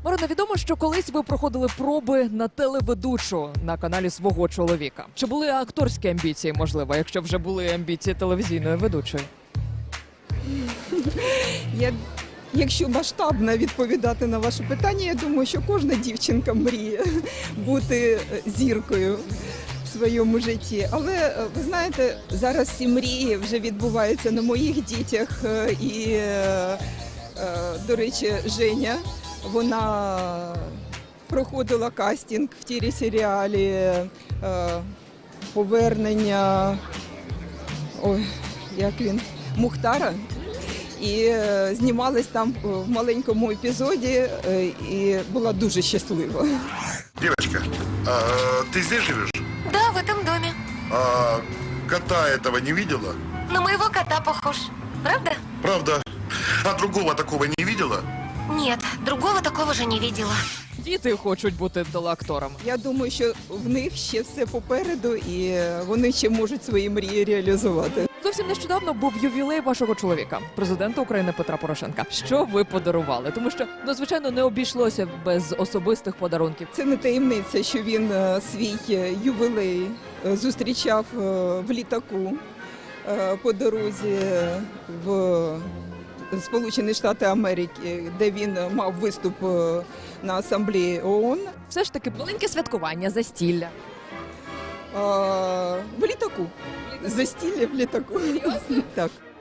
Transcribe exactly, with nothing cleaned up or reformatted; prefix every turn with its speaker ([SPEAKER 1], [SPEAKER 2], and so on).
[SPEAKER 1] Марина, відомо, що колись ви проходили проби на телеведучу на каналі свого чоловіка. Чи були акторські амбіції, можливо, якщо вже були амбіції телевізійної ведучої?
[SPEAKER 2] Я, якщо масштабно відповідати на ваше питання, я думаю, що кожна дівчинка мріє бути зіркою в своєму житті. Але, ви знаєте, зараз ці мрії вже відбуваються на моїх дітях. І, до речі, Женя, вона проходила кастинг в телесеріалі «Повернення», ой, як він, Мухтара. І знімалась там в маленькому епізоді, і була дуже щаслива.
[SPEAKER 3] Девочка, а ты здесь живешь?
[SPEAKER 4] Да, в этом доме.
[SPEAKER 3] А кота этого не видела?
[SPEAKER 4] На моего кота похож. Правда?
[SPEAKER 3] Правда. А другого такого не видела?
[SPEAKER 4] Нет, другого такого же не видела.
[SPEAKER 1] Діти хочуть бути телеакторами.
[SPEAKER 2] Я думаю, що в них ще все попереду, і вони ще можуть свої мрії реалізувати.
[SPEAKER 1] Зовсім нещодавно був ювілей вашого чоловіка, президента України Петра Порошенка. Що ви подарували? Тому що, ну, звичайно, не обійшлося без особистих подарунків.
[SPEAKER 2] Це не таємниця, що він е, свій е, ювілей е, зустрічав е, в літаку е, по дорозі в Сполучені Штати Америки, де він мав виступ е, на асамблеї ООН.
[SPEAKER 1] Все ж таки маленьке святкування, застілля.
[SPEAKER 2] Е, в літаку. Застілля в літаку. Так.